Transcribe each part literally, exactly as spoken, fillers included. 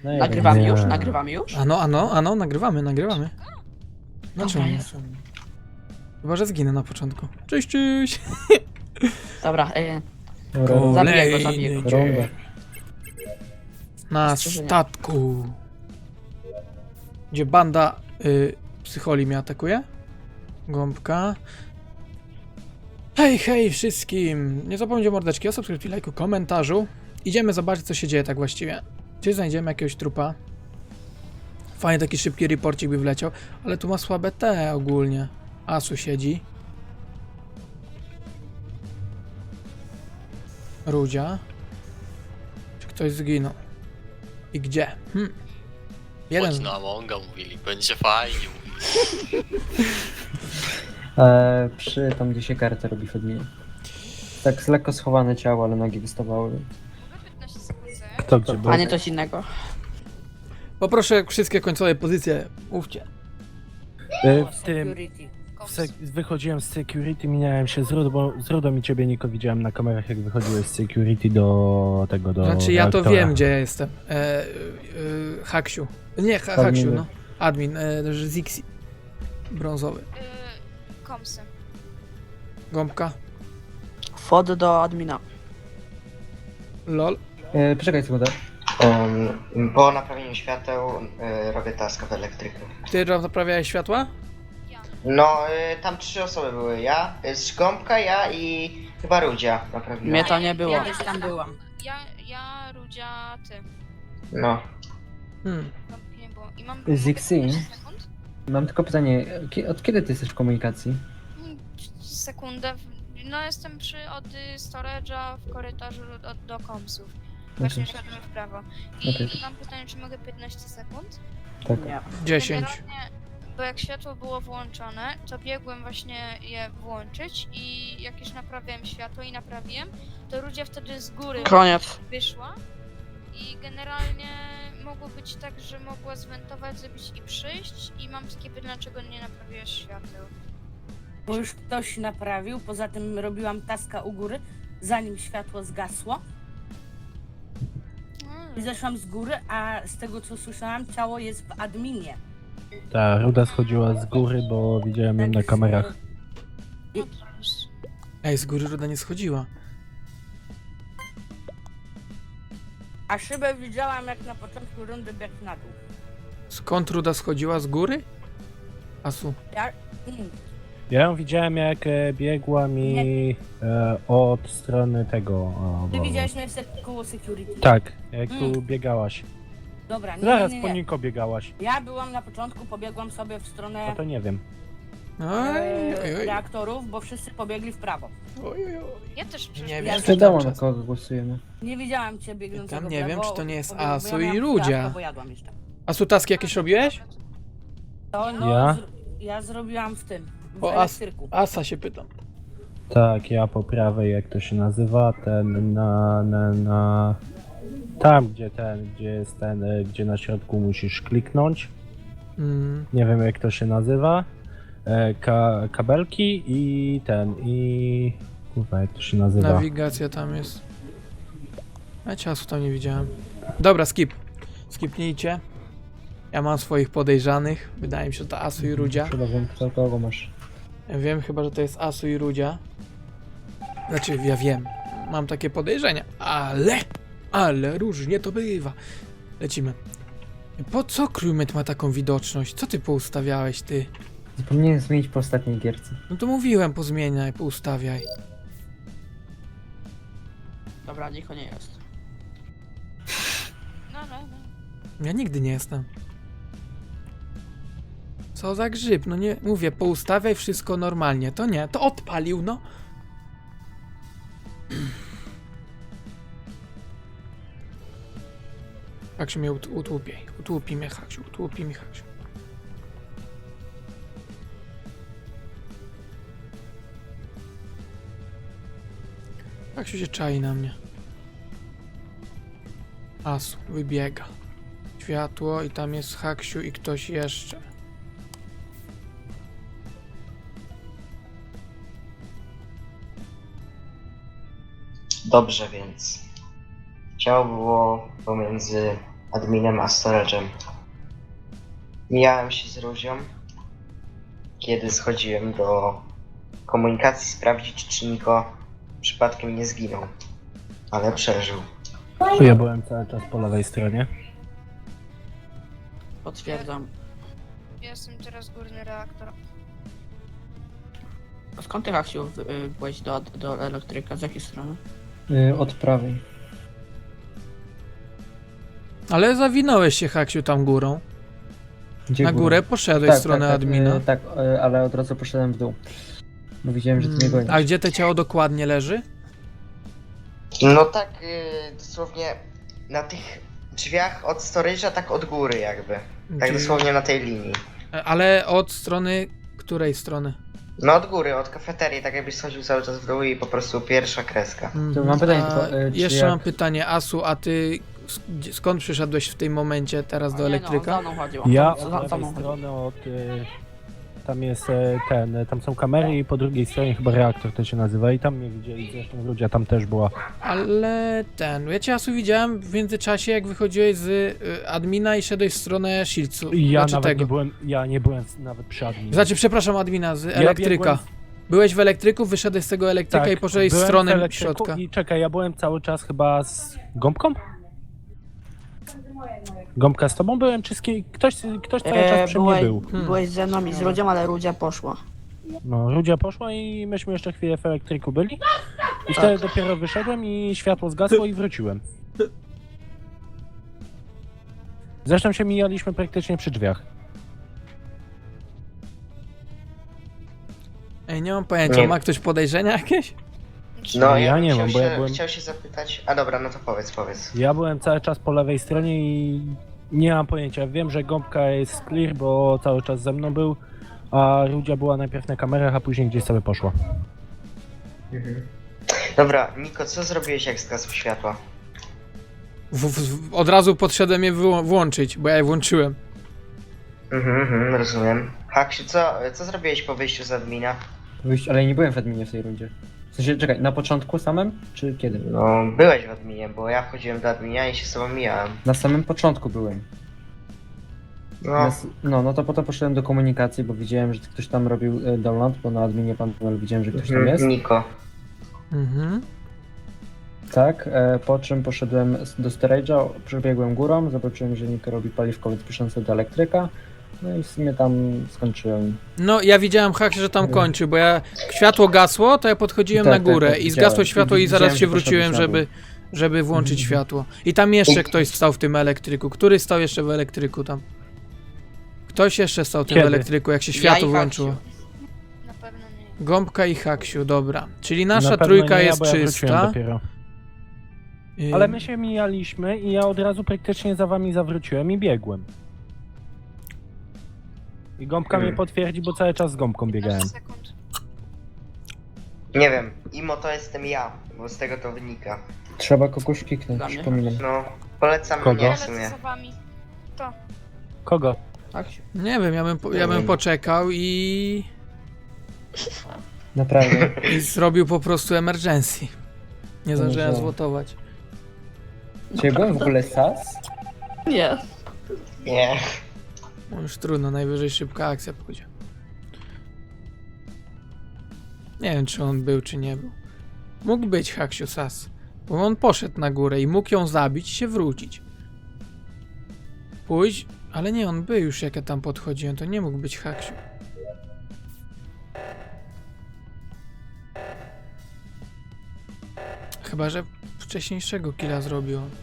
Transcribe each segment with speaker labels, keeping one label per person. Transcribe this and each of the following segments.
Speaker 1: No ja
Speaker 2: Nagrywamy
Speaker 3: Nie.
Speaker 2: już? Nagrywamy już?
Speaker 4: Ano, ano, ano, nagrywamy, nagrywamy. No
Speaker 2: Dobra,
Speaker 4: czemu nie?
Speaker 2: Jezu.
Speaker 4: Chyba, że zginę na początku. Cześć, cześć!
Speaker 2: Dobra, e,
Speaker 1: Dobra,
Speaker 2: Zabiję go, zabiję go.
Speaker 4: dzień
Speaker 1: Runda.
Speaker 4: na
Speaker 2: Strzeżenia.
Speaker 4: statku. Gdzie banda y, psycholi mnie atakuje. Gąbka. Hej, hej wszystkim! Nie zapomnijcie mordeczki o subskrypcji, lajku, komentarzu. Idziemy zobaczyć, co się dzieje tak właściwie. Czy znajdziemy jakiegoś trupa? Fajnie, taki szybki reporcik by wleciał, ale tu ma słabe te ogólnie. Asu siedzi. Rudzia. Czy ktoś zginął? I gdzie? Hm. Jeden.
Speaker 3: Chodź na Amonga, mówili, będzie fajnie, mówili.
Speaker 1: E, przy tam, gdzie się kartę robi w adminie. Tak z lekko schowane ciało, ale nogi wystawały.
Speaker 5: Kto gdzie był?
Speaker 2: a nie coś innego.
Speaker 4: Poproszę wszystkie końcowe pozycje. Mówcie.
Speaker 5: Y, W tym, w sek- wychodziłem z security, minąłem się z Rudą, bo z Rudą i ciebie, Niko, widziałem na kamerach, jak wychodziłeś z security do tego, do
Speaker 4: Znaczy ja to
Speaker 5: reaktora.
Speaker 4: wiem, gdzie ja jestem. E, e, Haksiu. Nie, ha, Haksiu,
Speaker 1: Admin.
Speaker 4: no. Admin, e, Zixi. Brązowy.
Speaker 6: Yy, komsy.
Speaker 4: Gąbka.
Speaker 2: Wchod do admina.
Speaker 4: Lol.
Speaker 1: E, poczekaj sekundę.
Speaker 7: Um, po naprawieniu świateł y, robię taska w elektryku.
Speaker 4: Ty naprawiałeś światła?
Speaker 7: No, y, tam trzy osoby były. Ja, y, Szkąpka, ja i chyba Rudzia naprawiłem.
Speaker 2: Mnie to nie było.
Speaker 6: Ja
Speaker 2: Ja
Speaker 6: też
Speaker 2: tam byłam.
Speaker 6: Ja, ja, Rudzia, ty.
Speaker 7: No.
Speaker 4: Hmm.
Speaker 6: Gąbki nie było. I mam...
Speaker 1: Zixi?
Speaker 6: piętnaście sekund?
Speaker 1: Mam tylko pytanie, kie- od kiedy ty jesteś w komunikacji?
Speaker 6: Mm, Sekundę. No jestem przy od y, storage'a w korytarzu do, do komsów. Właśnie szedłem w prawo. I
Speaker 1: Okej.
Speaker 6: mam pytanie, czy mogę piętnaście sekund?
Speaker 1: Tak.
Speaker 2: Nie.
Speaker 4: dziesięć.
Speaker 6: Generalnie, bo jak światło było włączone, to biegłem właśnie je włączyć i jak już naprawiałem światło i naprawiłem, to Rudzia wtedy z góry
Speaker 2: Koniec.
Speaker 6: wyszła i generalnie mogło być tak, że mogła zwentować, zrobić i przyjść i mam takie pytanie, dlaczego nie naprawiłeś świateł.
Speaker 8: Bo już ktoś naprawił, poza tym robiłam taska u góry, zanim światło zgasło i zeszłam z góry, a z tego co słyszałam, ciało jest w adminie.
Speaker 5: Ta Ruda schodziła z góry, bo widziałem ją na kamerach.
Speaker 6: No to już.
Speaker 4: Ej, z góry Ruda nie schodziła.
Speaker 8: A szybę widziałam jak na początku rundy biegł na dół.
Speaker 4: Skąd Ruda schodziła? Z góry? Asu.
Speaker 8: Ja... Mm.
Speaker 5: Ja ją widziałem, jak e, biegła mi e, od strony tego... O,
Speaker 8: Ty
Speaker 5: bo-
Speaker 8: widziałeś mnie w sek- koło security.
Speaker 5: Tak, jak tu
Speaker 8: Mm.
Speaker 5: biegałaś.
Speaker 8: Dobra, nie,
Speaker 5: Zaraz
Speaker 8: nie,
Speaker 5: po
Speaker 8: nie, nie.
Speaker 5: Niko biegałaś.
Speaker 8: Ja byłam na początku, pobiegłam sobie w stronę
Speaker 5: No to nie wiem.
Speaker 4: Oj,
Speaker 8: e,
Speaker 4: oj, oj.
Speaker 8: reaktorów, bo wszyscy pobiegli w prawo.
Speaker 4: Oj, oj, oj.
Speaker 6: Ja też przecież
Speaker 4: Nie
Speaker 6: nie
Speaker 4: wiem,
Speaker 8: Ja
Speaker 4: czy
Speaker 1: Wiadomo,
Speaker 4: tam
Speaker 1: na
Speaker 4: czas.
Speaker 1: kogo głosujemy.
Speaker 8: Nie widziałam cię biegnącego
Speaker 4: Tam
Speaker 8: w
Speaker 4: nie
Speaker 8: lewo,
Speaker 4: wiem, czy to nie jest
Speaker 8: pobiegłam, bo
Speaker 4: Asu
Speaker 8: ja
Speaker 4: i
Speaker 8: miałam
Speaker 4: Rudzia.
Speaker 8: kawkę, bo jadłam jeszcze.
Speaker 4: Asu, taski jakieś robiłeś?
Speaker 8: To, no,
Speaker 5: Ja?
Speaker 8: Zro- ja zrobiłam w tym, w
Speaker 4: O, As
Speaker 8: elektryku.
Speaker 4: Asa się pytam.
Speaker 5: Tak, ja po prawej, jak to się nazywa, ten na, na, na... Tam, gdzie ten, gdzie jest ten, e, gdzie na środku musisz kliknąć.
Speaker 4: Mm.
Speaker 5: Nie wiem, jak to się nazywa. E, ka, kabelki i ten, i... Kurwa, jak to się nazywa?
Speaker 4: Nawigacja tam jest. A czasu tam nie widziałem. Dobra, skip. Skipnijcie. Ja mam swoich podejrzanych. Wydaje mi się, że to Asu i Rudzia.
Speaker 1: Chyba wiem, kto kogo masz.
Speaker 4: Ja wiem chyba, że to jest Asu i Rudzia. Znaczy, ja wiem. Mam takie podejrzenia. Ale... Ale różnie to bywa. Lecimy. Po co crewmate ma taką widoczność? Co ty poustawiałeś, ty?
Speaker 1: Zapomniałem zmienić po ostatniej gierce.
Speaker 4: No to mówiłem, pozmieniaj, poustawiaj.
Speaker 2: Dobra, niko nie jest.
Speaker 6: No, no, no.
Speaker 4: Ja nigdy nie jestem. Co za grzyb? No nie, mówię, poustawiaj wszystko normalnie. To nie, to odpalił, no. Haksiu mnie ut utłupiej. Utłupi mnie, Haksiu, utłupi mi, Haksiu. Haksiu się czai na mnie. Asu, wybiega. Światło i tam jest Haksiu i ktoś jeszcze.
Speaker 7: Dobrze, więc ciało było pomiędzy adminem a storage'em. Mijałem się z Ruzią, kiedy schodziłem do komunikacji sprawdzić, czy Niko przypadkiem nie zginął, ale przeżył.
Speaker 5: Ja byłem cały czas po lewej stronie.
Speaker 2: Potwierdzam.
Speaker 6: Jestem teraz górny reaktor.
Speaker 2: A skąd ty, Haksiu, y, byłeś do, do elektryka? Z jakiej strony?
Speaker 1: Y, od prawej.
Speaker 4: Ale zawinąłeś się, Haksiu, tam górą.
Speaker 1: Gdzie
Speaker 4: Na
Speaker 1: górą?
Speaker 4: górę poszedłeś w stronę
Speaker 1: tak,
Speaker 4: admina.
Speaker 1: y, tak, y, ale od razu poszedłem w dół. Bo widziałem, że ty mnie gonisz.
Speaker 4: A gdzie to ciało dokładnie leży?
Speaker 7: No tak, yy, dosłownie na tych drzwiach od storage'a, tak od góry jakby. Tak
Speaker 4: Gdzie-
Speaker 7: dosłownie na tej linii.
Speaker 4: Ale od strony... której strony?
Speaker 7: No od góry, od kafeterii, tak jakbyś schodził cały czas w dół i po prostu pierwsza kreska.
Speaker 4: Mhm.
Speaker 1: mam pytanie
Speaker 4: A
Speaker 1: tylko, y, czy
Speaker 4: Jeszcze
Speaker 1: jak-
Speaker 4: mam pytanie, Asu, a ty sk- gdzie- skąd przyszedłeś w tym momencie teraz do
Speaker 2: A nie,
Speaker 4: elektryka?
Speaker 2: No, za mną chodził.
Speaker 5: Ja
Speaker 2: za,
Speaker 5: od
Speaker 2: za, za
Speaker 5: lewej
Speaker 2: mną chodził.
Speaker 5: strony od... Y, tam jest e, ten, e, tam są kamery i po drugiej stronie chyba reaktor to się nazywa i tam mnie widzieli, zresztą ludzie tam też była.
Speaker 4: Ale ten, ja cię Asu widziałem w międzyczasie, jak wychodziłeś z y, admina i szedłeś w stronę Shields'u.
Speaker 5: I ja
Speaker 4: znaczy
Speaker 5: nawet
Speaker 4: tego.
Speaker 5: nie byłem, ja nie byłem nawet przy adminie.
Speaker 4: Znaczy, przepraszam, admina, z
Speaker 5: Ja
Speaker 4: elektryka.
Speaker 5: biegłem
Speaker 4: Byłeś w elektryku, wyszedłeś z tego elektryka
Speaker 5: Tak,
Speaker 4: i poszedłeś w
Speaker 5: byłem
Speaker 4: stronę
Speaker 5: elektryku
Speaker 4: środka.
Speaker 5: I czekaj, ja byłem cały czas chyba z gąbką? Gąbka z tobą byłem, czy z kim? Ktoś, ktoś cały czas
Speaker 2: E,
Speaker 5: przy mnie
Speaker 2: byłeś,
Speaker 5: był.
Speaker 4: Hmm.
Speaker 2: byłeś ze mną i z Rudzią, ale Rudzia poszła.
Speaker 5: No, Rudzia poszła i myśmy jeszcze chwilę w elektryku byli. I wtedy dopiero wyszedłem i światło zgasło i wróciłem. Zresztą się mijaliśmy praktycznie przy drzwiach.
Speaker 4: Ej, nie mam pojęcia,
Speaker 7: Nie.
Speaker 4: ma ktoś podejrzenia jakieś?
Speaker 7: No
Speaker 5: ja
Speaker 7: ja, bym
Speaker 5: nie
Speaker 7: chciał
Speaker 5: mam, bo ja
Speaker 7: się,
Speaker 5: byłem-
Speaker 7: chciał się zapytać... A dobra, no to powiedz, powiedz.
Speaker 5: Ja byłem cały czas po lewej stronie i nie mam pojęcia. Wiem, że gąbka jest clear, bo cały czas ze mną był, a Rudzia była najpierw na kamerach, a później gdzieś sobie poszła.
Speaker 7: Mhm. Dobra, Niko, co zrobiłeś jak zgasło światło?
Speaker 4: W, w, od razu podszedłem je wyłą- włączyć, bo ja je włączyłem.
Speaker 7: Mhm, mhm, rozumiem. Haksiu, co, co zrobiłeś po wyjściu z admina?
Speaker 1: Wyjść, ale nie byłem w adminie w tej rundzie. W sensie, czekaj, na początku samym, czy kiedy?
Speaker 7: No, byłeś w adminie, bo ja wchodziłem do adminia i się z tobą mijałem.
Speaker 1: Na samym początku byłem.
Speaker 7: No,
Speaker 1: Na s- No, no to potem poszedłem do komunikacji, bo widziałem, że ktoś tam robił y, download, bo na adminie panel widziałem, że ktoś tam
Speaker 7: mhm,
Speaker 1: jest.
Speaker 7: Niko.
Speaker 4: Mhm.
Speaker 1: Tak, e, po czym poszedłem s- do storage'a, przebiegłem górą, zobaczyłem, że Niko robi paliwkowiec piszący do elektryka. No i w sumie tam skończyłem.
Speaker 4: No, ja widziałem hak, że tam kończy, bo ja światło gasło, to ja podchodziłem
Speaker 1: Tak,
Speaker 4: na
Speaker 1: tak,
Speaker 4: górę
Speaker 1: tak,
Speaker 4: i
Speaker 1: widziałem.
Speaker 4: zgasło światło
Speaker 1: I
Speaker 4: i zaraz
Speaker 1: widziałem,
Speaker 4: się
Speaker 1: że poszedłeś
Speaker 4: wróciłem,
Speaker 1: na
Speaker 4: żeby, żeby włączyć światło. I tam jeszcze ktoś stał w tym elektryku. Który stał jeszcze w elektryku tam? Ktoś jeszcze stał w tym
Speaker 5: Kiedy?
Speaker 4: elektryku, jak się
Speaker 2: Ja
Speaker 4: światło
Speaker 2: i
Speaker 4: włączyło.
Speaker 2: Haksiu.
Speaker 6: Na pewno nie.
Speaker 4: Gąbka i Haksiu, dobra. Czyli nasza
Speaker 5: Na pewno
Speaker 4: trójka
Speaker 5: nie ja,
Speaker 4: jest
Speaker 5: bo ja wróciłem
Speaker 4: czysta.
Speaker 5: dopiero.
Speaker 4: Y,
Speaker 5: Ale my się mijaliśmy i ja od razu praktycznie za wami zawróciłem i biegłem. I gąbka
Speaker 7: Hmm.
Speaker 5: mnie potwierdzi, bo cały czas z gąbką biegałem.
Speaker 6: piętnaście sekund.
Speaker 7: Nie wiem, Imo to jestem ja, bo z tego to wynika.
Speaker 1: Trzeba kogoś kliknąć,
Speaker 2: Dla mnie?
Speaker 1: przypominam.
Speaker 7: No, polecam
Speaker 5: Kogo?
Speaker 7: mnie w
Speaker 6: Lecę
Speaker 7: sumie.
Speaker 6: za wami.
Speaker 5: Kogo?
Speaker 2: Haksiu.
Speaker 4: Nie wiem, ja bym, po- ja
Speaker 7: Nie
Speaker 4: bym
Speaker 7: wiem.
Speaker 4: poczekał i,
Speaker 1: Naprawdę.
Speaker 4: i zrobił po prostu emergency. Nie
Speaker 1: No
Speaker 4: zdążyłem
Speaker 1: tak.
Speaker 4: zwotować.
Speaker 1: Czy ja byłem w ogóle sas?
Speaker 2: Nie.
Speaker 7: Nie.
Speaker 4: No już trudno, najwyżej szybka akcja pójdzie. Nie wiem, czy on był, czy nie był. Mógł być Haksiu Sas, bo on poszedł na górę i mógł ją zabić i się wrócić. Pójść, ale nie, on był już, jak ja tam podchodziłem, to nie mógł być Haksiu. Chyba, że wcześniejszego killa zrobił on.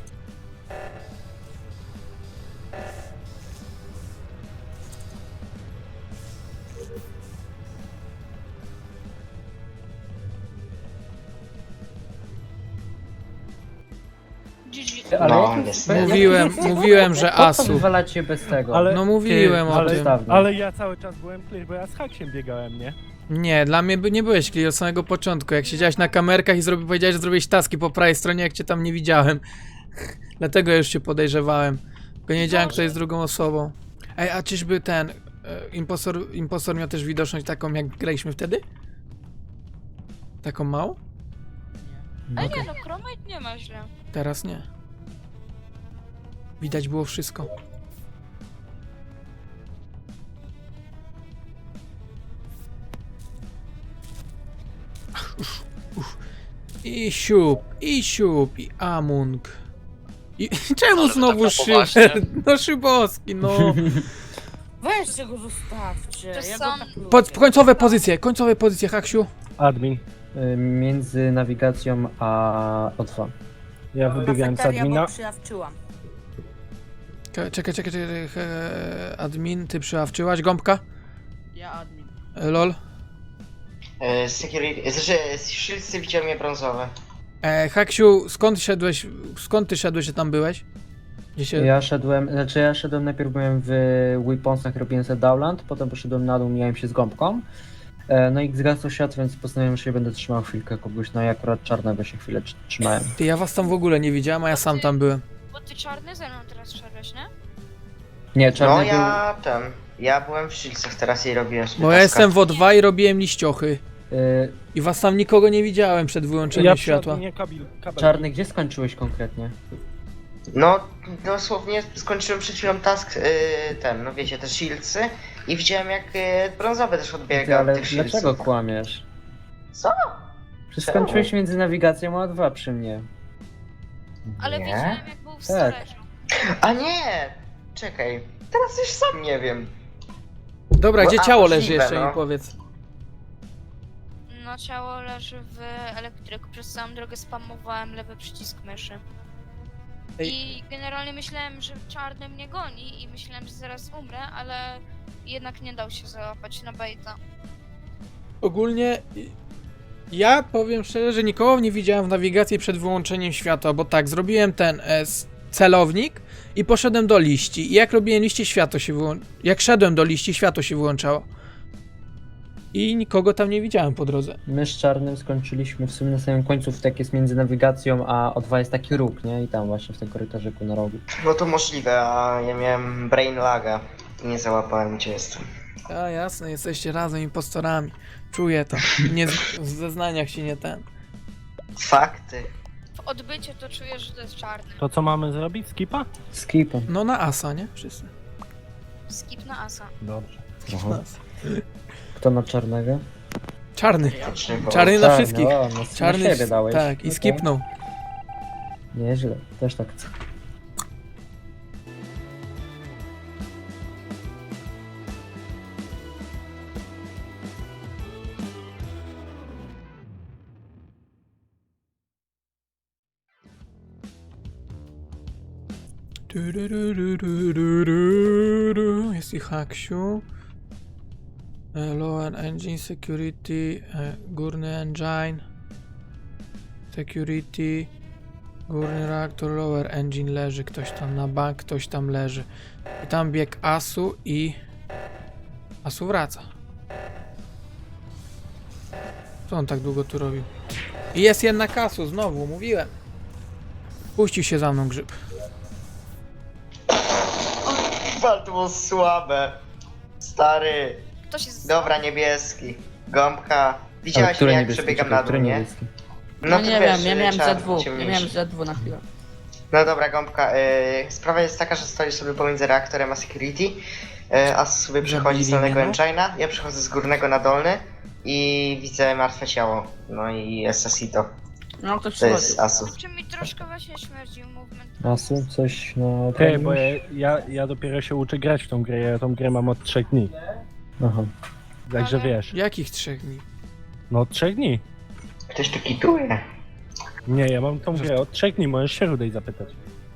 Speaker 6: G G.
Speaker 1: Ale
Speaker 7: No,
Speaker 1: jak-
Speaker 7: niestety.
Speaker 4: Mówiłem, mówiłem, że
Speaker 1: Po co
Speaker 4: Asu.
Speaker 1: wywalacie bez tego?
Speaker 5: Ale-
Speaker 4: No mówiłem
Speaker 5: Ty,
Speaker 4: o
Speaker 5: ale,
Speaker 4: tym.
Speaker 5: ale ja cały czas byłem clear, bo ja z haksiem biegałem, nie?
Speaker 4: Nie, dla mnie by nie byłeś clear od samego początku. Jak siedziałeś na kamerkach i zrobi, powiedziałeś, że zrobiłeś taski po prawej stronie, jak cię tam nie widziałem. Dlatego już cię podejrzewałem. Tylko nie wiedziałem, kto jest drugą osobą. Ej, a czyżby ten e, impostor, impostor miał też widoczność taką, jak graliśmy wtedy? Taką małą?
Speaker 6: Ale nie no, Chromite nie ma źle.
Speaker 4: Teraz nie. Widać było wszystko. Uff, uff. I siup, i siup, i Amung. I czemu
Speaker 3: Ale wy
Speaker 4: znowu
Speaker 3: tak na poważnie?
Speaker 4: Szyber? No Szybowski, no.
Speaker 8: Weźcie go zostawcie.
Speaker 6: To
Speaker 8: Ja
Speaker 6: są-
Speaker 8: go tak lubię.
Speaker 4: Po, końcowe pozycje, końcowe pozycje, Haksiu.
Speaker 5: Admin.
Speaker 1: Y, Między nawigacją a O dwa.
Speaker 5: Ja wybiegałem z
Speaker 8: Kafeteria,
Speaker 5: admina.
Speaker 8: bo przyjawczyłam.
Speaker 4: Czekaj, czekaj, czekaj, czekaj. e, Admin, ty przyławczyłaś, gąbka?
Speaker 2: Ja admin.
Speaker 4: E, Lol.
Speaker 7: E, security, znaczy shieldsy widziałem je brązowe.
Speaker 4: E, Haksiu, skąd szedłeś, skąd ty szedłeś, że tam byłeś? Gdzie się...
Speaker 1: Ja szedłem, znaczy ja szedłem, najpierw byłem w Weaponsach, robiłem sobie downland, potem poszedłem na dół, mijałem się z gąbką. E, No i zgasł światło, więc postanowiłem, że się będę trzymał chwilkę kogoś, no i akurat czarnego się chwilę tr- trzymałem.
Speaker 4: Ty, ja was tam w ogóle nie widziałem, a ja sam tam byłem.
Speaker 6: Bo ty czarny ze mną teraz szedłeś, nie?
Speaker 1: Nie, czarny
Speaker 7: No
Speaker 1: był...
Speaker 7: ja ten, ja byłem w shieldsach teraz i robiłem sobie
Speaker 4: Bo ja
Speaker 7: taska.
Speaker 4: jestem w O dwa i robiłem liściochy.
Speaker 1: y,
Speaker 4: I was tam nikogo nie widziałem przed wyłączeniem
Speaker 5: Ja przy
Speaker 4: światła.
Speaker 5: adminie kabel, kabel.
Speaker 1: Czarny, gdzie skończyłeś konkretnie?
Speaker 7: No, dosłownie skończyłem przed chwilą task, yy, ten, no wiecie, te shieldsy i widziałem jak yy, brązowy też
Speaker 1: Ty,
Speaker 7: odbiega od
Speaker 1: ale
Speaker 7: tych shieldsów.
Speaker 1: dlaczego kłamiesz?
Speaker 7: Co?
Speaker 1: Przecież
Speaker 7: Czemu?
Speaker 1: skończyłeś między nawigacją a O dwa przy mnie.
Speaker 6: Ale
Speaker 7: Nie?
Speaker 6: widziałem jak był w
Speaker 1: Tak.
Speaker 6: storage'u.
Speaker 7: A nie! Czekaj, teraz już sam nie wiem.
Speaker 4: Dobra,
Speaker 7: Bo-
Speaker 4: gdzie
Speaker 7: a,
Speaker 4: ciało leży
Speaker 7: możliwe,
Speaker 4: jeszcze
Speaker 7: no.
Speaker 4: mi powiedz.
Speaker 6: No ciało leży w elektryku, przez całą drogę spamowałem lewy przycisk myszy.
Speaker 4: Ej.
Speaker 6: I generalnie myślałem, że czarny mnie goni i myślałem, że zaraz umrę, ale jednak nie dał się załapać na baita.
Speaker 4: Ogólnie y, ja powiem szczerze, że nikogo nie widziałem w nawigacji przed wyłączeniem światła, bo tak, zrobiłem ten e, s- celownik i poszedłem do liści. I jak robiłem liście, światło się wyłączało. Jak szedłem do liści, światło się wyłączało. I nikogo tam nie widziałem po drodze.
Speaker 1: My z czarnym skończyliśmy w sumie na samym końcu, tak jest między nawigacją a O dwa jest taki róg, nie? I tam właśnie w tym korytarzyku na rogu.
Speaker 7: No to możliwe, a ja miałem brain laga i nie załapałem gdzie jestem.
Speaker 4: A jasne, jesteście razem impostorami. Czuję to. Nie, z- w zeznaniach się nie ten.
Speaker 7: Fakty.
Speaker 6: W odbyciu to czuję, że to jest czarny.
Speaker 5: To co mamy zrobić? Skipa?
Speaker 1: Skipem.
Speaker 4: No na asa, nie? Wszyscy.
Speaker 6: Skip na asa.
Speaker 5: Dobrze.
Speaker 1: Aha.
Speaker 4: Na asa.
Speaker 1: Kto na czarnego?
Speaker 4: Czarny.
Speaker 7: Faktycznie, bo-
Speaker 4: Czarny na wszystkich.
Speaker 1: O, no,
Speaker 4: Czarny.
Speaker 1: na siebie dałeś.
Speaker 4: Tak, i
Speaker 1: Okej.
Speaker 4: skipnął.
Speaker 1: Nieźle, też tak chcę.
Speaker 4: Du, du, du, du, du, du, du, du. Jest i Haksiu. E, Lower engine security, e, górny engine. Security. Górny reaktor, lower engine leży. Ktoś tam na bank, ktoś tam leży. I tam bieg Asu i... Asu wraca. Co on tak długo tu robił? I jest jednak Asu, znowu, mówiłem. Puścił się za mną grzyb.
Speaker 7: Chyba to było słabe. Stary.
Speaker 6: Kto się z...
Speaker 7: Dobra, niebieski. Gąbka.
Speaker 1: Ale
Speaker 7: Widziałaś mnie
Speaker 1: który
Speaker 7: jak
Speaker 1: niebieski?
Speaker 7: przebiegam
Speaker 1: Czekaj,
Speaker 7: na
Speaker 1: który
Speaker 7: dół, nie?
Speaker 1: niebieski?
Speaker 2: No,
Speaker 7: to
Speaker 2: nie
Speaker 7: wiesz,
Speaker 2: wiem, ja miałem
Speaker 7: czarny,
Speaker 2: ze dwóch. Ja
Speaker 7: ciemniejszy.
Speaker 2: miałem ze dwóch na chwilę.
Speaker 7: No dobra, Gąbka, y, sprawa jest taka, że stoisz sobie pomiędzy reaktorem a security, y, a sobie przychodzi z
Speaker 4: Zabili
Speaker 7: dolnego
Speaker 4: mnie, no.
Speaker 7: engine'a, ja przychodzę z górnego na dolny i widzę martwe ciało. No i Asasito.
Speaker 2: No to
Speaker 7: To
Speaker 2: przychodzi.
Speaker 7: jest Asus.
Speaker 6: Czy mi troszkę właśnie śmierdził movement.
Speaker 1: Asu, coś na...
Speaker 5: Ty, bo ja, ja, ja dopiero się uczę grać w tą grę, ja tą grę mam od trzech dni.
Speaker 1: Aha.
Speaker 5: Także
Speaker 6: Ale-
Speaker 5: wiesz,
Speaker 4: Jakich trzech dni?
Speaker 5: no od trzech dni.
Speaker 7: Ktoś tu kituje.
Speaker 5: Nie, ja mam tą grę od trzech dni, możesz się Rudej zapytać.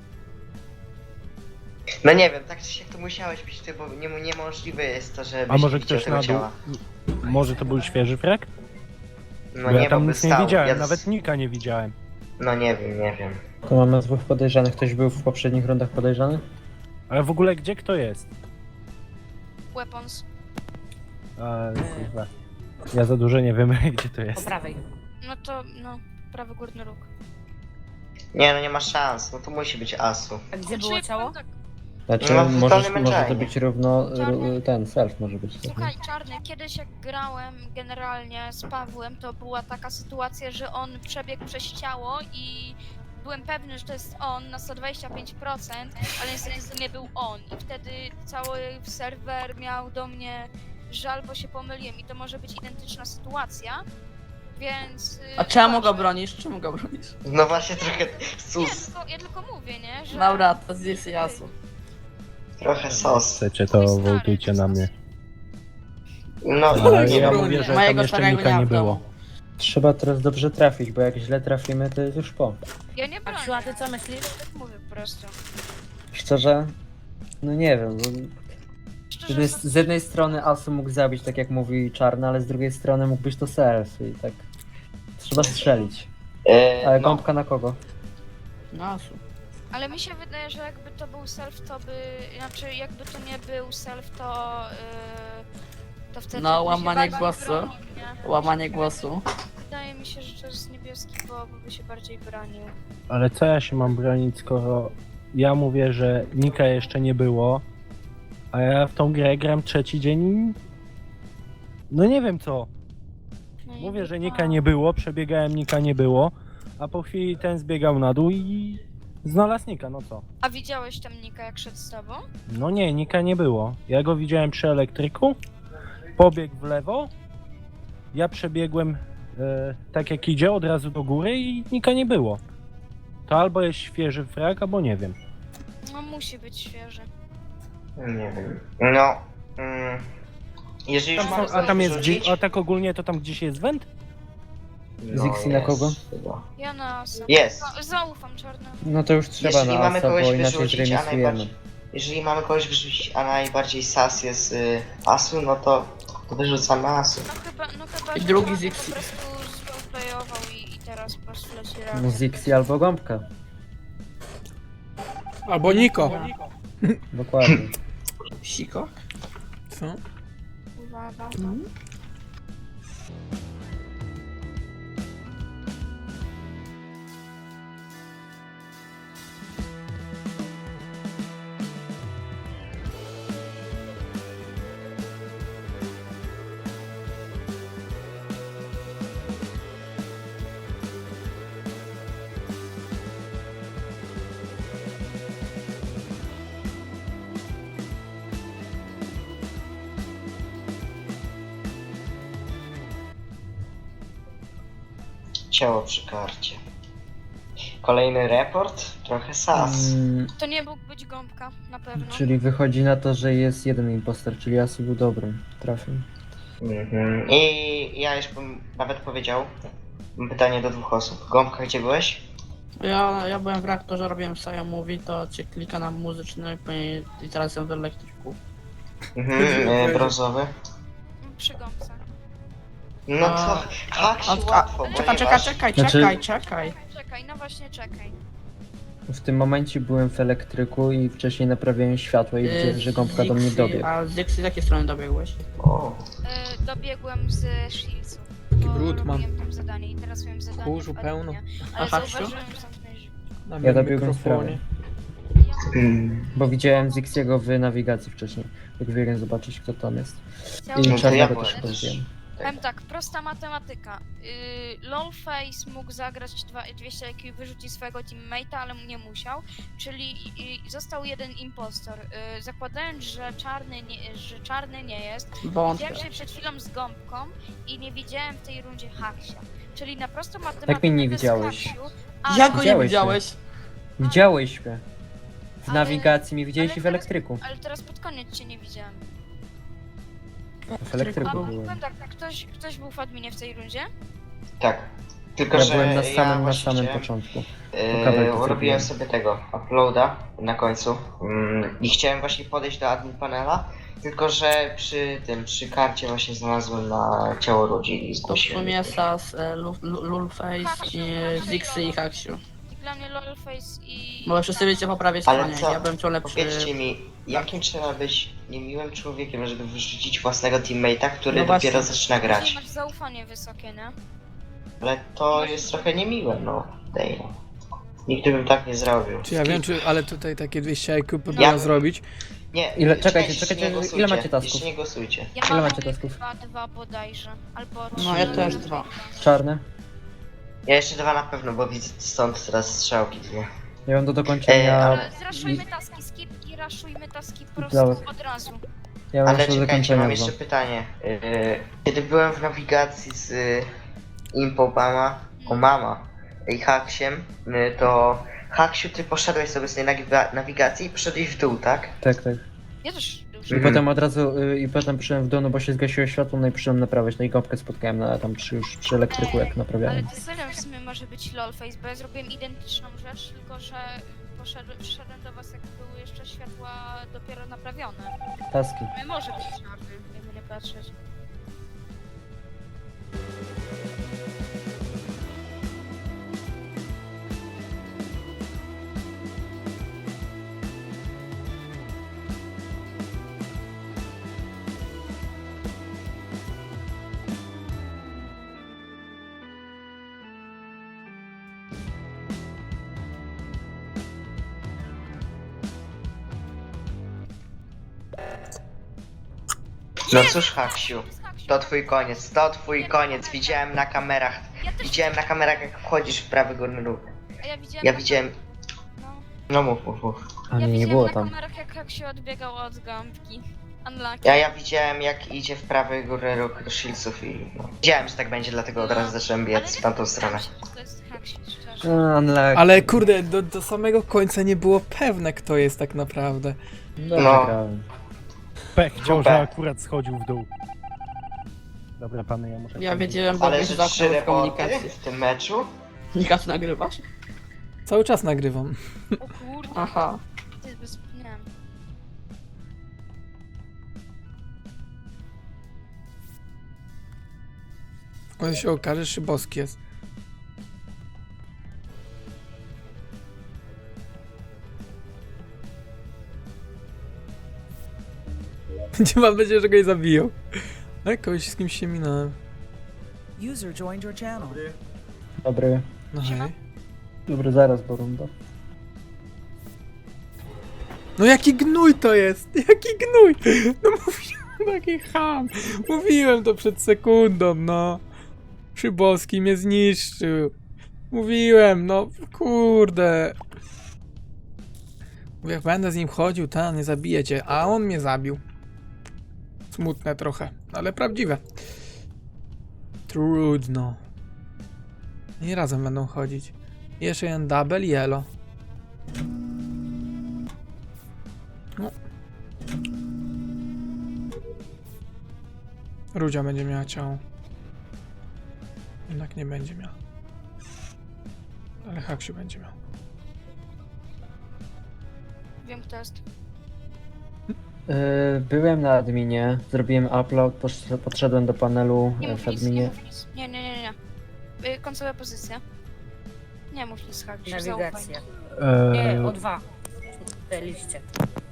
Speaker 7: No nie wiem, tak czy siak to musiałeś być ty, bo nie, niemożliwe jest to, że
Speaker 5: A może ktoś
Speaker 7: tego
Speaker 5: na dół?
Speaker 7: ciała.
Speaker 5: Może to był świeży frag?
Speaker 7: No
Speaker 5: Bo
Speaker 7: nie,
Speaker 5: ja tam
Speaker 7: bo by
Speaker 5: nic nie
Speaker 7: stał.
Speaker 5: widziałem,
Speaker 7: Ja
Speaker 5: nawet
Speaker 7: z-
Speaker 5: Nika nie widziałem.
Speaker 7: No nie wiem, nie wiem.
Speaker 1: To mamy dwóch podejrzanych. Ktoś był w poprzednich rundach podejrzany?
Speaker 5: Ale w ogóle gdzie kto jest?
Speaker 6: Weapons.
Speaker 5: A, kurwa. Ja za dużo nie wiem, gdzie to
Speaker 8: Po
Speaker 5: jest.
Speaker 8: prawej.
Speaker 6: No to, no, prawy górny róg.
Speaker 7: Nie no nie ma szans, no to musi być Asu.
Speaker 8: A gdzie
Speaker 6: Znaczy,
Speaker 8: było ciało?
Speaker 6: tak,
Speaker 1: Znaczy,
Speaker 7: No, w
Speaker 1: możesz,
Speaker 7: dolnym
Speaker 1: może to
Speaker 7: engine.
Speaker 1: być równo...
Speaker 6: Czarny.
Speaker 1: ru- ten, self może być. tak,
Speaker 6: Słuchaj, Czarny, kiedyś jak grałem generalnie z Pawłem, to była taka sytuacja, że on przebiegł przez ciało i byłem pewny, że to jest on na sto dwadzieścia pięć procent, ale niestety to nie był on. I wtedy cały serwer miał do mnie żal, bo się pomyliłem i to może być identyczna sytuacja, więc... y,
Speaker 2: A czemu go
Speaker 6: uważam.
Speaker 2: bronisz? Czemu go bronisz?
Speaker 7: No właśnie trochę
Speaker 6: Nie,
Speaker 7: sus,
Speaker 6: tylko, ja tylko mówię, nie? Że...
Speaker 2: Dobra, to zjedz jasu.
Speaker 7: trochę sos.
Speaker 5: Chcecie,
Speaker 6: Twój
Speaker 5: to
Speaker 6: stary
Speaker 5: wołtujcie na mnie.
Speaker 7: No,
Speaker 5: Ale
Speaker 7: nie
Speaker 5: ja
Speaker 7: wiem.
Speaker 5: mówię, że tam
Speaker 2: Mojego
Speaker 5: jeszcze
Speaker 2: starego
Speaker 5: Nika
Speaker 2: nie
Speaker 5: nie
Speaker 2: w domu.
Speaker 5: było.
Speaker 1: Trzeba teraz dobrze trafić, bo jak źle trafimy, to jest już po.
Speaker 6: Ja nie bronię.
Speaker 8: Aksiu, a ty co myślisz?
Speaker 6: Tak mówię po prostu.
Speaker 1: Szczerze, no nie wiem, bo z
Speaker 6: Szczerze,
Speaker 1: jednej, z jednej strony Asu mógł zabić, tak jak mówi Czarny, ale z drugiej strony mógł być to self i tak trzeba strzelić.
Speaker 7: E,
Speaker 1: Ale
Speaker 7: no,
Speaker 1: gąbka na kogo?
Speaker 2: No, asu.
Speaker 6: ale mi się wydaje, że jakby to był self, to by... Znaczy, jakby to nie był self, to... Yy, to wtedy...
Speaker 2: No,
Speaker 6: by się
Speaker 2: łamanie
Speaker 6: bardziej
Speaker 2: głosu.
Speaker 6: bronił, nie?
Speaker 2: Łamanie głosu.
Speaker 6: Wydaje mi się, że to jest niebieski, bo by się bardziej bronił.
Speaker 5: Ale co ja się mam bronić, skoro ja mówię, że Nika jeszcze nie było, a ja w tą grę gram trzeci dzień i... No nie wiem co.
Speaker 6: No i
Speaker 5: Mówię, że
Speaker 6: chyba-
Speaker 5: Nika nie było, przebiegałem, Nika nie było, a po chwili ten zbiegał na dół i znalazł Nika, no co?
Speaker 6: A widziałeś tam Nika, jak szedł z tobą?
Speaker 5: No nie, Nika nie było. Ja go widziałem przy elektryku, pobiegł w lewo, ja przebiegłem e, tak jak idzie, od razu do góry i Nika nie było. To albo jest świeży frag, albo nie wiem.
Speaker 6: No musi być świeży.
Speaker 7: nie wiem. No, mm, jeżeli już
Speaker 5: Tam
Speaker 7: mamy
Speaker 5: są, a tam jest
Speaker 7: rzucić,
Speaker 5: gdzieś, a tak ogólnie to tam gdzieś jest węd?
Speaker 7: no
Speaker 1: Zixi na
Speaker 7: jest
Speaker 1: kogo?
Speaker 7: chyba.
Speaker 6: Ja na Asa.
Speaker 7: Jest.
Speaker 6: No, zaufam czarnemu.
Speaker 1: No to już trzeba
Speaker 7: Jeżeli
Speaker 1: na
Speaker 7: mamy
Speaker 1: Asa,
Speaker 7: kogoś
Speaker 1: bo inaczej
Speaker 7: wyrzucić, a
Speaker 1: zremisujemy.
Speaker 7: najbardziej, jeżeli mamy kogoś wyrzucić, a najbardziej sas jest y, Asu, no to, to wyrzucamy Asu.
Speaker 6: No chyba, no chyba,
Speaker 2: I
Speaker 6: że
Speaker 2: drugi
Speaker 6: Czarny
Speaker 2: Zixi.
Speaker 6: po prostu zroleplayował i, i teraz po prostu leci
Speaker 1: No
Speaker 6: razem.
Speaker 1: Zixi albo gąbka.
Speaker 4: Albo Niko.
Speaker 1: Dokładnie.
Speaker 2: Siko?
Speaker 4: Co?
Speaker 6: Uwaga.
Speaker 7: Ciało przy karcie. Kolejny report, trochę sas.
Speaker 1: Mm,
Speaker 6: To nie mógł być gąbka, na pewno.
Speaker 1: czyli wychodzi na to, że jest jeden impostor, czyli Asu był dobrym. Trafił.
Speaker 7: Mhm. I ja już bym nawet powiedział, mam pytanie do dwóch osób. Gąbka, gdzie byłeś?
Speaker 2: Ja, ja byłem w reaktorze, robiłem Saja Mówi, to cię klika na muzyczny i teraz jestem w elektryku.
Speaker 7: Mhm, e, brązowy.
Speaker 6: Przy gąbce.
Speaker 7: No
Speaker 2: A-
Speaker 7: to tak się
Speaker 2: A, a,
Speaker 7: łatwo,
Speaker 2: czekaj, czekaj,
Speaker 7: ponieważ...
Speaker 2: czekaj,
Speaker 1: Znaczy-
Speaker 2: czekaj, czekaj.
Speaker 6: Czekaj, no właśnie czekaj.
Speaker 1: W tym momencie byłem w elektryku i wcześniej naprawiałem światło i widziałem, że gąbka do mnie
Speaker 2: Zixi-
Speaker 1: dobiegł.
Speaker 2: A z Dixie z jakiej strony dobiegłeś?
Speaker 7: O,
Speaker 6: Y, dobiegłem z Shieldsów, bo
Speaker 4: Brud mam.
Speaker 6: robiłem tam zadanie i teraz miałem zadanie
Speaker 4: Kurzu
Speaker 6: w
Speaker 4: pełno.
Speaker 6: adminie,
Speaker 2: A
Speaker 6: ale
Speaker 2: Haksiu?
Speaker 6: zauważyłem, że zamknąłeś drzwi.
Speaker 4: Na
Speaker 1: Ja
Speaker 4: moim
Speaker 1: dobiegłem z
Speaker 4: mikrofonie.
Speaker 1: prawej.
Speaker 6: Ja
Speaker 7: mm,
Speaker 1: Bo widziałem Zixiego w nawigacji wcześniej. Jak biegłem zobaczyć, kto tam jest.
Speaker 6: chciałem
Speaker 1: I
Speaker 7: No to
Speaker 1: czarnego
Speaker 7: ja
Speaker 1: też
Speaker 7: byłem.
Speaker 1: powiedziałem.
Speaker 6: Powiem tak, prosta matematyka. Yy, Lolface mógł zagrać dwa, dwieście I Q i wyrzucić swojego teammate'a, ale nie musiał. Czyli yy, został jeden impostor. Yy, zakładając, że czarny, nie, że czarny nie jest,
Speaker 2: Wątpię.
Speaker 6: widziałem się przed chwilą z gąbką i nie widziałem w tej rundzie Haksia. Czyli na prostą matematykę
Speaker 1: Jak mnie nie
Speaker 6: bez
Speaker 1: widziałeś?
Speaker 6: Haksiu, ale-
Speaker 2: Jak go nie
Speaker 1: Widziałeś
Speaker 2: widziałeś?
Speaker 1: Widziałeś mnie. W
Speaker 6: Ale-
Speaker 1: nawigacji mnie widziałeś
Speaker 6: ale
Speaker 1: i w
Speaker 6: teraz-
Speaker 1: elektryku.
Speaker 6: Ale teraz pod koniec cię nie widziałem.
Speaker 1: W elektryku
Speaker 6: A
Speaker 1: byłem.
Speaker 6: powiem tak, ktoś, ktoś był w adminie w tej rundzie?
Speaker 7: tak. Tylko,
Speaker 1: Ja
Speaker 7: że
Speaker 1: byłem na
Speaker 7: ja
Speaker 1: samym, na
Speaker 7: właśnie
Speaker 1: samym
Speaker 7: chciałem-
Speaker 1: początku.
Speaker 7: Yy,
Speaker 1: kabelki
Speaker 7: robiłem
Speaker 1: zrobiłem.
Speaker 7: sobie tego uploada na końcu mm, i chciałem właśnie podejść do admin panela, tylko że przy tym, przy karcie właśnie znalazłem na ciało ludzi i
Speaker 2: To w
Speaker 7: zgłosiłem.
Speaker 2: sumie Sas, e, Lu- Lu- Lulface, i Zixi i Haksiu.
Speaker 6: Dla mnie Lolface i...
Speaker 2: Bo wszyscy wiecie po prawej
Speaker 7: Ale
Speaker 2: stronie,
Speaker 7: co?
Speaker 2: ja byłem ciągle przy...
Speaker 7: Powiedzcie mi, jakim trzeba być niemiłym człowiekiem, żeby wyrzucić własnego teammate'a, który
Speaker 2: No właśnie.
Speaker 7: dopiero zaczyna
Speaker 6: Czyli
Speaker 7: grać?
Speaker 6: masz zaufanie wysokie, nie?
Speaker 7: Ale to jest trochę niemiłe, no. Dej. Nigdy bym tak nie zrobił.
Speaker 4: Czy ja wiem, czy, ale tutaj takie dwieście I Q
Speaker 7: Ja
Speaker 4: próbuję
Speaker 7: bym-
Speaker 4: zrobić.
Speaker 7: Nie,
Speaker 1: Ile- czekajcie,
Speaker 7: jeszcze
Speaker 1: czekajcie,
Speaker 7: nie
Speaker 1: ile
Speaker 7: głosujcie,
Speaker 1: macie tasków?
Speaker 7: Jeszcze nie głosujcie.
Speaker 6: Ja
Speaker 1: Ile
Speaker 6: mam
Speaker 1: macie tasków?
Speaker 6: dwa, dwa bodajże. Albo
Speaker 2: No ja
Speaker 6: trzy.
Speaker 2: też dwa.
Speaker 1: Czarne?
Speaker 7: Ja jeszcze dwa na pewno, bo widzę stąd teraz strzałki dwie.
Speaker 1: Ja mam do dokończenia...
Speaker 7: Ej,
Speaker 6: Ale zraszujmy taski skip i raszujmy taski po prostu
Speaker 1: Dobra.
Speaker 6: od razu.
Speaker 1: Ja mam
Speaker 7: Ale
Speaker 1: jeszcze do
Speaker 7: czekajcie, mam
Speaker 1: dokończenia
Speaker 7: jeszcze
Speaker 1: dwa.
Speaker 7: pytanie. Yy, Kiedy byłem w nawigacji z y, Impobama, Omama i Haksiem, y, to Haksiu, ty poszedłeś sobie z tej nawiga- nawigacji i poszedłeś w dół, tak?
Speaker 1: Tak, tak.
Speaker 6: Ja też już.
Speaker 1: I
Speaker 7: Mhm.
Speaker 1: potem od razu, y, i potem przyszedłem w dół, no bo się zgasiło światło, no i przyszedłem naprawiać, no i gąbkę spotkałem na tam przy, już przy elektryku, jak
Speaker 6: Ale
Speaker 1: naprawiałem.
Speaker 6: to serio w sumie może być lolface, bo ja zrobiłem identyczną rzecz, tylko że poszedłem, przyszedłem do was jak były jeszcze światła dopiero naprawione.
Speaker 1: Taski.
Speaker 6: Nie może być czarny, jakby nie patrzeć.
Speaker 7: No cóż, Haksiu,
Speaker 6: Jest Haksiu.
Speaker 7: to twój koniec, to twój koniec. Widziałem na kamerach,
Speaker 6: Ja też
Speaker 7: widziałem na kamerach jak wchodzisz w prawy górny róg.
Speaker 6: A ja widziałem.
Speaker 7: Ja
Speaker 6: na-
Speaker 7: widziałem,
Speaker 6: No,
Speaker 7: no mów, mów, mów.
Speaker 1: A
Speaker 6: ja
Speaker 1: nie, nie
Speaker 6: widziałem
Speaker 1: było
Speaker 6: na
Speaker 1: tam.
Speaker 6: kamerach jak Haksiu odbiegał od gąbki. Unlucky.
Speaker 7: Ja, ja widziałem jak idzie w prawy górny róg do Shieldsów i no. Wiedziałem, że tak będzie, dlatego od razu zacząłem
Speaker 6: Ale
Speaker 7: biec
Speaker 6: nie
Speaker 7: w tamtą
Speaker 6: spodziewałam
Speaker 7: stronę.
Speaker 6: się, że to jest Haksiu, szczerze.
Speaker 1: A, unlucky.
Speaker 4: Ale kurde, do, do samego końca nie było pewne, kto jest tak naprawdę.
Speaker 1: Dobrze
Speaker 7: No.
Speaker 1: grałem.
Speaker 5: Pech chciał,
Speaker 7: Super.
Speaker 5: że akurat schodził w dół. Dobra, pany, ja muszę...
Speaker 2: Ja wiedziałem, bo
Speaker 7: Ale
Speaker 2: wiesz,
Speaker 7: że
Speaker 2: że
Speaker 7: trzy
Speaker 2: w
Speaker 7: reporty
Speaker 2: komunikacji.
Speaker 7: w tym meczu?
Speaker 2: Nikasz nagrywasz?
Speaker 4: Cały czas nagrywam.
Speaker 6: O kurde,
Speaker 2: Aha.
Speaker 6: to jest bez... nie wiem.
Speaker 4: On się okaże, Szybowski jest. Nie mam nadzieję, że go nie zabiją. Ale kogoś z kimś się minąłem.
Speaker 9: User joined your channel.
Speaker 1: Dobry.
Speaker 4: No
Speaker 6: Siema.
Speaker 4: hej.
Speaker 1: Dobry, zaraz, bo runda.
Speaker 4: No jaki gnój to jest! Jaki gnój! No mówiłem, taki ham! Mówiłem to przed sekundą, no. Szybowski mnie zniszczył. Mówiłem, no kurde. Mówię, jak będę z nim chodził, ta, nie zabije cię, a on mnie zabił. Smutne trochę, ale prawdziwe. Trudno. Nie razem będą chodzić. Jeszcze jeden double yellow. No. Rudzia będzie miała ciało. Jednak nie będzie miała. Ale Haksiu będzie miał.
Speaker 6: Wiem kto jest.
Speaker 1: Yy, byłem na adminie, zrobiłem upload, posz- podszedłem do panelu
Speaker 6: Nie
Speaker 1: e,
Speaker 6: mów
Speaker 1: w
Speaker 6: nic, nie
Speaker 1: adminie.
Speaker 6: mów nic. Nie, nie, nie, nie. Y, Końcowa pozycja. Nie mów nic, Haksiu, zaufaj.
Speaker 8: Nawigacja.
Speaker 5: E,
Speaker 8: Nie, o dwa. W tej liście.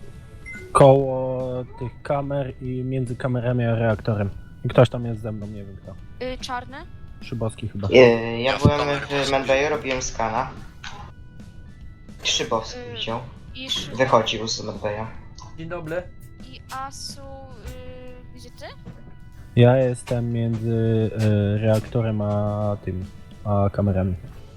Speaker 5: koło tych kamer i między kamerami a reaktorem. I ktoś tam jest ze mną, nie wiem kto.
Speaker 6: Y, Czarny?
Speaker 5: Szybowski chyba.
Speaker 7: Yy, ja
Speaker 3: Ja w
Speaker 7: byłem
Speaker 3: kamerę
Speaker 7: w
Speaker 3: poszedłem.
Speaker 7: Medbayu, robiłem skana. Szybowski
Speaker 6: Yy.
Speaker 7: widział.
Speaker 6: I, Szy-
Speaker 7: Wychodził z Medbaya.
Speaker 1: Dzień dobry.
Speaker 6: i Asu... Y, gdzie ty?
Speaker 5: Ja jestem między e, reaktorem a tym, a kamerami.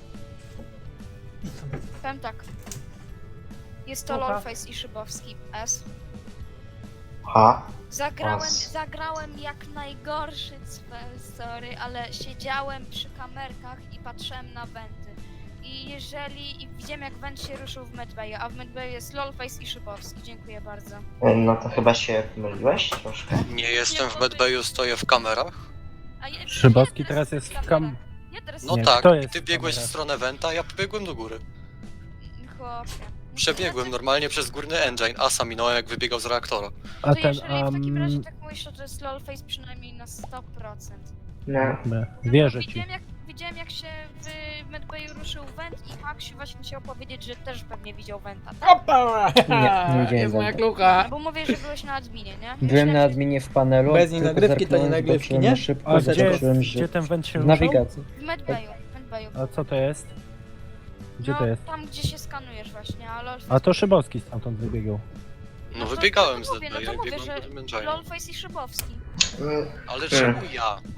Speaker 6: Powiem tak. Jest to
Speaker 8: Aha.
Speaker 6: Lolface i Szybowski. S.
Speaker 7: Ha?
Speaker 6: Zagrałem,
Speaker 7: As.
Speaker 6: zagrałem jak najgorszy spell, sorry, ale siedziałem przy kamerkach i patrzyłem na wenty. I jeżeli... i widziałem jak went się ruszył w Medbayu, a w Medbayu jest Lolface i Szybowski. Dziękuję bardzo.
Speaker 7: Yy, No to chyba się pomyliłeś troszkę.
Speaker 3: Nie jestem w Medbayu, stoję w kamerach.
Speaker 6: A ja,
Speaker 5: Szybowski
Speaker 6: ja
Speaker 5: teraz jest w kam...
Speaker 6: Ja teraz
Speaker 3: No
Speaker 5: Nie,
Speaker 3: tak,
Speaker 5: kto
Speaker 3: i
Speaker 5: jest
Speaker 3: ty
Speaker 5: w
Speaker 3: biegłeś w
Speaker 5: kamerach?
Speaker 3: stronę Wenta, ja pobiegłem do góry.
Speaker 6: Chłopie.
Speaker 3: Przebiegłem normalnie przez górny engine, Asa minąłem jak wybiegał z reaktora.
Speaker 5: A
Speaker 6: To
Speaker 5: ten,
Speaker 6: jeżeli w takim razie
Speaker 5: um...
Speaker 6: tak mówisz, to jest Lolface przynajmniej na sto procent.
Speaker 7: No.
Speaker 5: Dobra,
Speaker 6: No,
Speaker 5: wierzę
Speaker 6: bo
Speaker 5: ci.
Speaker 6: widziałem jak, widziałem jak się w Medbayu ruszył went i Haksiu właśnie chciał powiedzieć, że też pewnie widział wenta, tak?
Speaker 4: Opa!
Speaker 1: Nie, nie widziałem
Speaker 4: Jest moja
Speaker 1: węta.
Speaker 4: klucha.
Speaker 6: No bo mówię, że byłeś na adminie, nie?
Speaker 1: Byłem
Speaker 6: Myślałem,
Speaker 1: na
Speaker 6: że-
Speaker 1: adminie w panelu,
Speaker 4: Bez niej
Speaker 1: tylko
Speaker 4: nagrywki to nie
Speaker 1: zerknąłem,
Speaker 4: nagrywki,
Speaker 1: zobaczyłem
Speaker 4: nie?
Speaker 1: na szybko,
Speaker 5: A gdzie,
Speaker 1: zobaczyłem, że
Speaker 5: gdzie ten węd się
Speaker 1: w
Speaker 5: ruszył?
Speaker 1: nawigacji.
Speaker 6: W Medbayu, w Medbayu.
Speaker 5: A co to jest? Gdzie
Speaker 6: no,
Speaker 5: to jest?
Speaker 6: tam gdzie się skanujesz właśnie, a Lolface...
Speaker 5: A to Szybowski stamtąd wybiegał.
Speaker 3: No
Speaker 6: to-
Speaker 3: wybiegałem
Speaker 6: to
Speaker 3: z
Speaker 6: mówię, no to
Speaker 3: Medbaya i
Speaker 6: mówię,
Speaker 3: biegłem
Speaker 6: że
Speaker 3: do tym engine'a.
Speaker 6: Lolface i Szybowski.
Speaker 7: Mm,
Speaker 3: Ale czemu ja?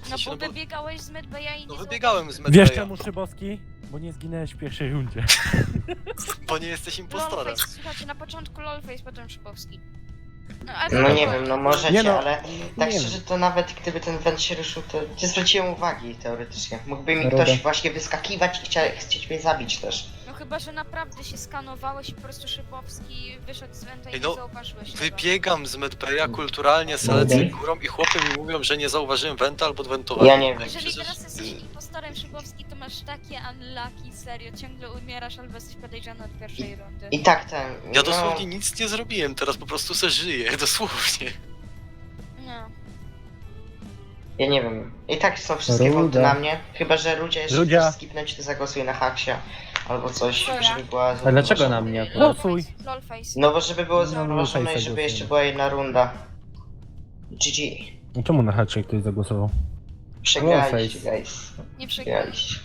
Speaker 6: No
Speaker 3: sensie,
Speaker 6: bo
Speaker 3: no bo,
Speaker 6: wybiegałeś z medbaya i nie
Speaker 3: no
Speaker 6: zauważyłeś.
Speaker 3: wybiegałem z
Speaker 5: Wiesz
Speaker 3: medbaya,
Speaker 5: czemu, Szybowski? Bo nie zginęłeś w pierwszej rundzie.
Speaker 3: bo nie jesteś impostorem.
Speaker 6: Lolface, słuchajcie, na początku Lolface, potem Szybowski. No, ale
Speaker 7: No nie
Speaker 6: spokojnie.
Speaker 7: wiem, no możecie,
Speaker 5: Nie no,
Speaker 7: ale tak
Speaker 5: nie
Speaker 7: szczerze
Speaker 5: wiem.
Speaker 7: to nawet gdyby ten węd się ruszył, to nie zwróciłem uwagi teoretycznie. Mógłby mi
Speaker 1: Ruda.
Speaker 7: ktoś właśnie wyskakiwać i chciał, chcieć mnie zabić też.
Speaker 6: No chyba, że naprawdę się skanowałeś i po prostu Szybowski wyszedł z Wenta i
Speaker 3: Ej,
Speaker 6: nie
Speaker 3: no,
Speaker 6: zauważyłeś tego.
Speaker 3: Wybiegam z medbaya kulturalnie, salecę
Speaker 1: Dobra.
Speaker 3: górą i chłopy mi mówią, że nie zauważyłem wenta albo wentowałem.
Speaker 7: Ja nie wiem.
Speaker 6: Jeżeli
Speaker 3: Przecież-
Speaker 6: teraz jesteś impostorem Szybowski, to masz takie unlucky, serio, ciągle umierasz albo jesteś podejrzany od pierwszej rundy.
Speaker 7: I tak ten.
Speaker 3: Ja
Speaker 7: no,
Speaker 3: dosłownie nic nie zrobiłem, teraz po prostu se żyję, dosłownie.
Speaker 6: No.
Speaker 7: Ja nie wiem. I tak są wszystkie
Speaker 1: Ruda.
Speaker 7: wąty na mnie. Chyba, że ludzie jeszcze
Speaker 5: Rudzia.
Speaker 7: chcesz skipnąć, to zagłosuj na Haksia. Albo coś,
Speaker 8: Co ja?
Speaker 7: żeby była...
Speaker 1: A dlaczego na mnie akurat?
Speaker 5: Głosuj.
Speaker 6: Lolface, Lolface.
Speaker 7: No bo żeby było
Speaker 5: No,
Speaker 7: zrównoważone
Speaker 5: Lolface'a
Speaker 7: i żeby jeszcze
Speaker 5: głosujemy.
Speaker 7: była jedna runda. G G.
Speaker 5: No czemu na haczyk ktoś zagłosował?
Speaker 7: Przegraliście,
Speaker 1: Lolface.
Speaker 7: guys.
Speaker 6: Nie przegrałeś.
Speaker 7: Przegraliście.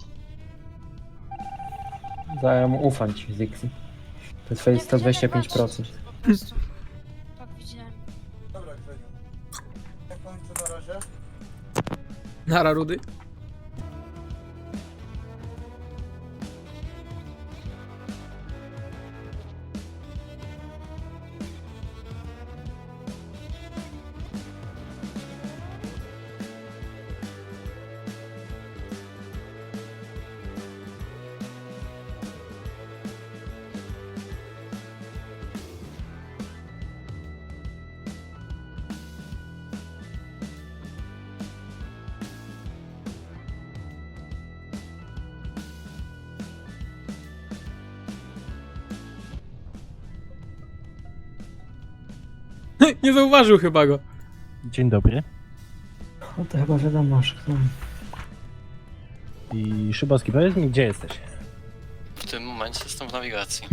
Speaker 1: Zajem ufam ci, Zixi. To twoje sto dwadzieścia pięć procent.
Speaker 6: Po prostu. Tak widziałem.
Speaker 4: Nara Rudy. Nie zauważył chyba go.
Speaker 5: Dzień dobry.
Speaker 1: No to chyba wiadomo, że kto.
Speaker 5: I Szybowski, powiedz mi, gdzie jesteś?
Speaker 3: W tym momencie jestem w nawigacji.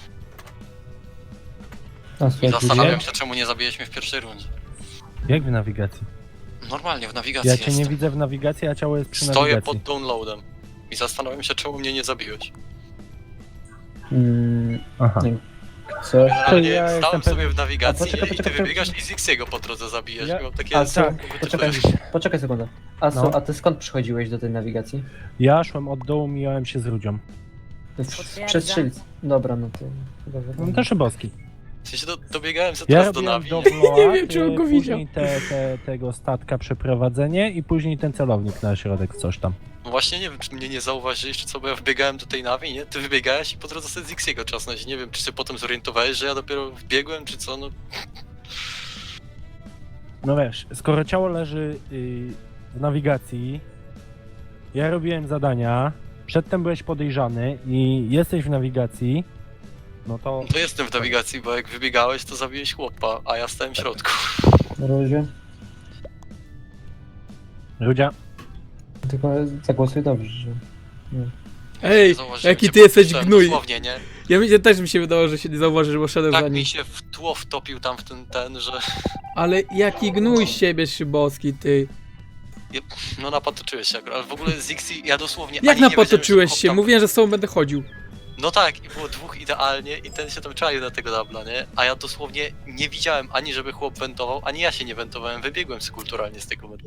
Speaker 1: A
Speaker 3: I
Speaker 1: słuchaj,
Speaker 3: zastanawiam się, czemu nie zabiłeś mnie w pierwszej rundzie.
Speaker 5: Jak w nawigacji?
Speaker 3: Normalnie, w nawigacji
Speaker 5: Ja cię
Speaker 3: jestem.
Speaker 5: nie widzę w nawigacji, a ciało jest przy
Speaker 3: Stoję
Speaker 5: nawigacji.
Speaker 3: pod downloadem. I zastanawiam się, czemu mnie nie zabiłeś.
Speaker 1: Mm,
Speaker 5: Aha.
Speaker 1: nie. Co?
Speaker 3: Generalnie
Speaker 5: ja
Speaker 3: stałem
Speaker 5: jestem
Speaker 3: sobie
Speaker 5: pewien-
Speaker 3: w nawigacji
Speaker 1: A poczekaj,
Speaker 3: i ty
Speaker 1: poczekaj,
Speaker 3: wybiegasz
Speaker 1: poczekaj.
Speaker 3: i Zixiego po drodze zabijesz.
Speaker 5: Ja-
Speaker 3: I mam takie...
Speaker 1: A co?
Speaker 3: Poczekaj.
Speaker 1: Poczekaj, poczekaj sekundę. Asu,
Speaker 5: No.
Speaker 1: a ty skąd przychodziłeś do tej nawigacji?
Speaker 5: Ja szłem od dołu, mijałem się z Rudzią.
Speaker 8: Potwierdzam.
Speaker 1: Przez strzelc. Dobra, no to chyba wiadomo.
Speaker 5: No to Szybowski.
Speaker 3: W sensie do, dobiegałem sobie
Speaker 5: Ja
Speaker 3: teraz do
Speaker 5: robiłem
Speaker 3: nawi.
Speaker 5: do Bloa,
Speaker 4: Nie wiem, czy on go
Speaker 5: później te, te, tego statka przeprowadzenie i później ten celownik na środek, coś tam.
Speaker 3: No właśnie nie wiem, czy mnie nie zauważyłeś, czy co, bo ja wbiegałem do tej nawi, nie? Ty wybiegałeś i po drodze sobie Zixiego czasnąć. Nie wiem, czy się potem zorientowałeś, że ja dopiero wbiegłem, czy co, no...
Speaker 5: No wiesz, skoro ciało leży y, w nawigacji, ja robiłem zadania, przedtem byłeś podejrzany i jesteś w nawigacji, no to...
Speaker 3: To jestem w nawigacji, bo jak wybiegałeś, to zabiłeś chłopa, a ja stałem w środku.
Speaker 1: Rózie.
Speaker 5: Rudzia,
Speaker 1: Tylko zagłosuj dobrze, że...
Speaker 4: Ej,
Speaker 3: Zauważyłem
Speaker 4: jaki
Speaker 3: cię,
Speaker 4: ty jesteś
Speaker 3: podpuszczałem
Speaker 4: gnój.
Speaker 3: Dosłownie, nie?
Speaker 4: Ja mi się też mi się wydawało, że się nie zauważysz, bo szedłem za
Speaker 3: Tak
Speaker 4: nim.
Speaker 3: mi się w tło wtopił tam w ten, ten, że...
Speaker 4: Ale jaki gnój z siebie, Szybowski, ty.
Speaker 3: No napatoczyłeś się akurat, ale w ogóle Zixi, ja dosłownie
Speaker 4: Jak
Speaker 3: ani nie wiedziałem,
Speaker 4: napatoczyłeś
Speaker 3: że
Speaker 4: się?
Speaker 3: chłop tam-
Speaker 4: Mówiłem, że z tobą będę chodził.
Speaker 3: No tak, i było dwóch idealnie i ten się tam czaił na tego dubla, nie? A ja dosłownie nie widziałem ani żeby chłop wentował, ani ja się nie wentowałem, wybiegłem kulturalnie z tego medlu.